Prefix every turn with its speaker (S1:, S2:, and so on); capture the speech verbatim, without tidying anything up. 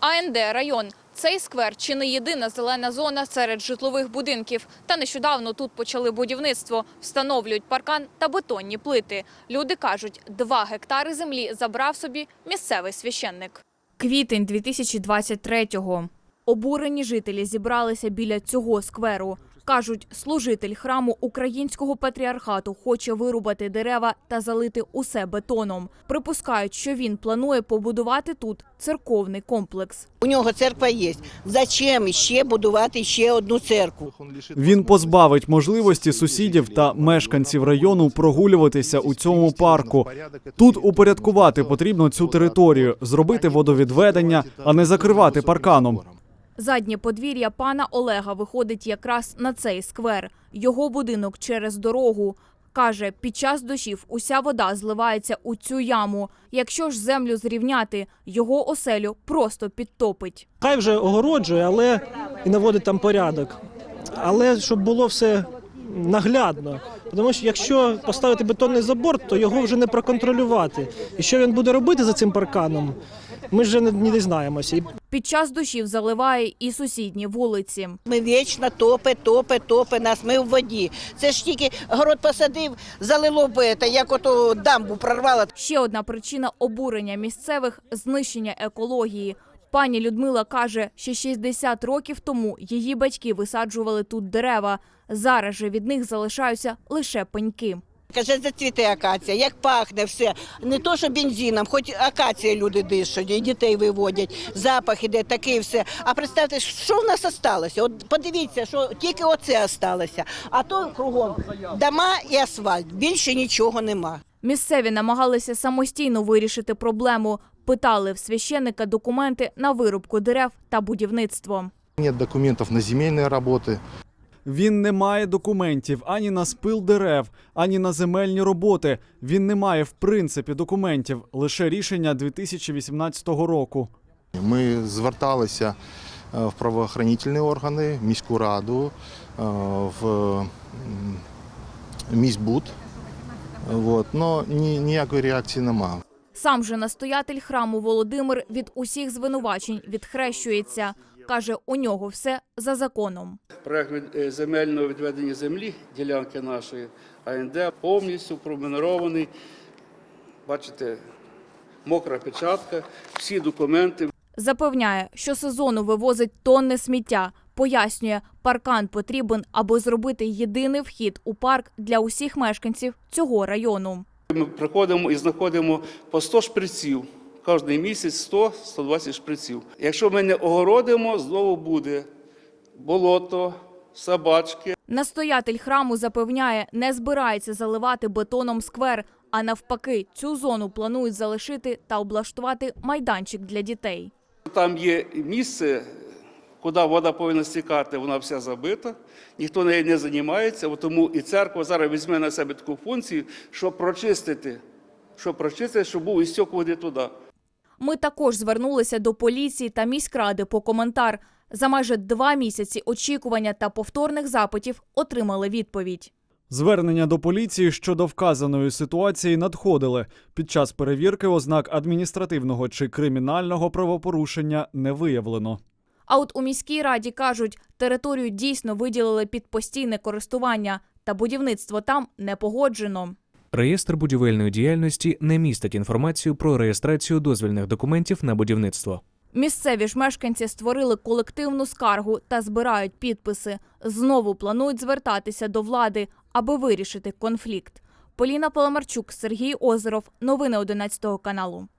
S1: А Ен Де район. Цей сквер – чи не єдина зелена зона серед житлових будинків. Та нещодавно тут почали будівництво. Встановлюють паркан та бетонні плити. Люди кажуть, два гектари землі забрав собі місцевий священник. Квітень дві тисячі двадцять третього. Обурені жителі зібралися біля цього скверу. Кажуть, служитель храму Українського патріархату хоче вирубати дерева та залити усе бетоном. Припускають, що він планує побудувати тут церковний комплекс.
S2: У нього церква є. Зачем ще будувати ще одну церкву?
S3: Він позбавить можливості сусідів та мешканців району прогулюватися у цьому парку. Тут упорядкувати потрібно цю територію, зробити водовідведення, а не закривати парканом.
S1: Заднє подвір'я пана Олега виходить якраз на цей сквер. Його будинок через дорогу. Каже, під час дощів уся вода зливається у цю яму. Якщо ж землю зрівняти, його оселю просто підтопить.
S4: Хай вже огороджує, але і наводить там порядок. Але щоб було все наглядно. Тому що якщо поставити бетонний забор, то його вже не проконтролювати. І що він буде робити за цим парканом, ми вже не дізнаємося.
S1: Під час дощів заливає і сусідні вулиці.
S2: Ми вічно топе, топе, топе нас, ми в воді. Це ж тільки город посадив, залило б, це, як ото дамбу прорвало.
S1: Ще одна причина обурення місцевих – знищення екології. Пані Людмила каже, що шістдесят років тому її батьки висаджували тут дерева. Зараз же від них залишаються лише пеньки.
S2: Каже, зацвіте акація, як пахне все. Не то, що бензином, хоч акація люди дишать, і дітей виводять, запах іде, таке все. А представте, що в нас залишилося? От подивіться, що тільки оце залишилося. А то кругом дома і асфальт, більше нічого нема.
S1: Місцеві намагалися самостійно вирішити проблему. Питали в священника документи на вирубку дерев та будівництво.
S5: Нет документів на земельні роботи.
S3: Він не має документів ані на спил дерев, ані на земельні роботи. Він не має в принципі документів, лише рішення дві тисячі вісімнадцятого року.
S5: Ми зверталися в правоохоронні органи, в міську раду, в міськбуд, але ніякої реакції немає.
S1: Сам же настоятель храму Володимир від усіх звинувачень відхрещується. Каже, у нього все за законом.
S6: Проект земельного відведення землі, ділянки нашої А Ен Де, повністю пронумерований. Бачите, мокра печатка, всі документи.
S1: Запевняє, що сезону вивозить тонни сміття. Пояснює, паркан потрібен, аби зробити єдиний вхід у парк для усіх мешканців цього району.
S6: Ми приходимо і знаходимо по сто шприців. Кожний місяць сто - сто двадцять шприців. Якщо ми не огородимо, знову буде болото, собачки.
S1: Настоятель храму запевняє, не збирається заливати бетоном сквер, а навпаки, цю зону планують залишити та облаштувати майданчик для дітей.
S6: Там є місце, куди вода повинна стікати, вона вся забита, ніхто нею не займається, тому і церква зараз візьме на себе таку функцію, щоб прочистити, щоб прочистити, щоб був істік води туди.
S1: Ми також звернулися до поліції та міськради по коментар. За майже два місяці очікування та повторних запитів отримали відповідь.
S3: Звернення до поліції щодо вказаної ситуації надходили. Під час перевірки ознак адміністративного чи кримінального правопорушення не виявлено.
S1: А от у міській раді кажуть, територію дійсно виділили під постійне користування, та будівництво там не погоджено.
S7: Реєстр будівельної діяльності не містить інформацію про реєстрацію дозвільних документів на будівництво.
S1: Місцеві ж мешканці створили колективну скаргу та збирають підписи. Знову планують звертатися до влади, аби вирішити конфлікт. Поліна Паламарчук, Сергій Озеров. Новини одинадцятого каналу.